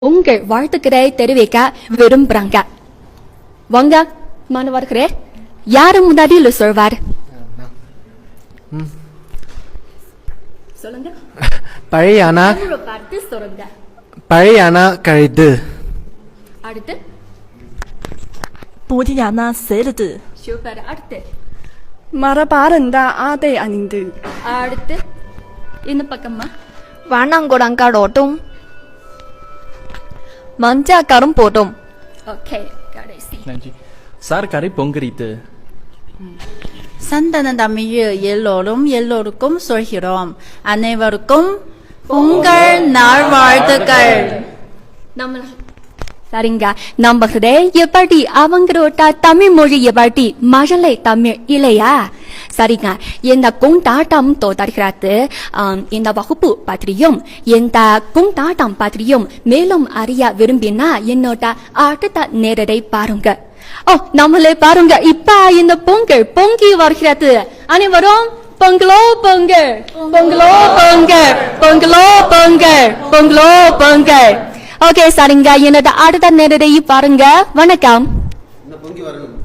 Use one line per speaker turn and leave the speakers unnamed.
உங்கள் வாழ்த்துக்களை தெரிவிக்க விரும்புறாங்க. வாங்க மாணவர்களே, யாரு முன்னாடியில் சொல்வார்? சொல்லுங்க.
பழையானா
பார்த்து சொல்லுங்க.
பழையானா கழுது.
அடுத்து
புதியானா சேருது.
சூப்பர். அடுத்து
மரபாரந்தா ஆதை அணிந்து.
அடுத்து இந்த பக்கமா
வானாங்குடங்காடோட்டும் மஞ்சாக்காரும் போட்டும்.
ஓகே, கடைசி
நன்றி சார். கரை பொங்கரித்து
சந்தன தமிழ் எல்லோரும் எல்லோருக்கும் சொல்கிறோம். அனைவருக்கும் பொங்கல் நல்வாழ்த்துக்கள்.
நம்ம சரிங்க. நம்புகிறே எப்படி அவங்களோட தமிழ் மொழி எப்படி மழலை தமிழ் இல்லையா? சரிங்க. இந்த கொண்டாட்டம் தொடர்கிறது. இந்த வகுப்பு பற்றியும் இந்த கொண்டாட்டம் பற்றியும் மேலும் அறிய விரும்பினா என்னோட அடுத்த நேரத்தை பாருங்க. நம்மளே பாருங்க. இப்ப இந்த பொங்கல் பொங்கி வருகிறது. அனைவரும் பொங்கலோ பொங்கல், பொங்கலோ பொங்கல், பொங்கலோ பொங்கல், பொங்கலோ பொங்கல். ஓகே, சரிங்க. என்னோட அடுத்த நேரத்தை பாருங்க. வணக்கம்.
பொங்கி வரணும்.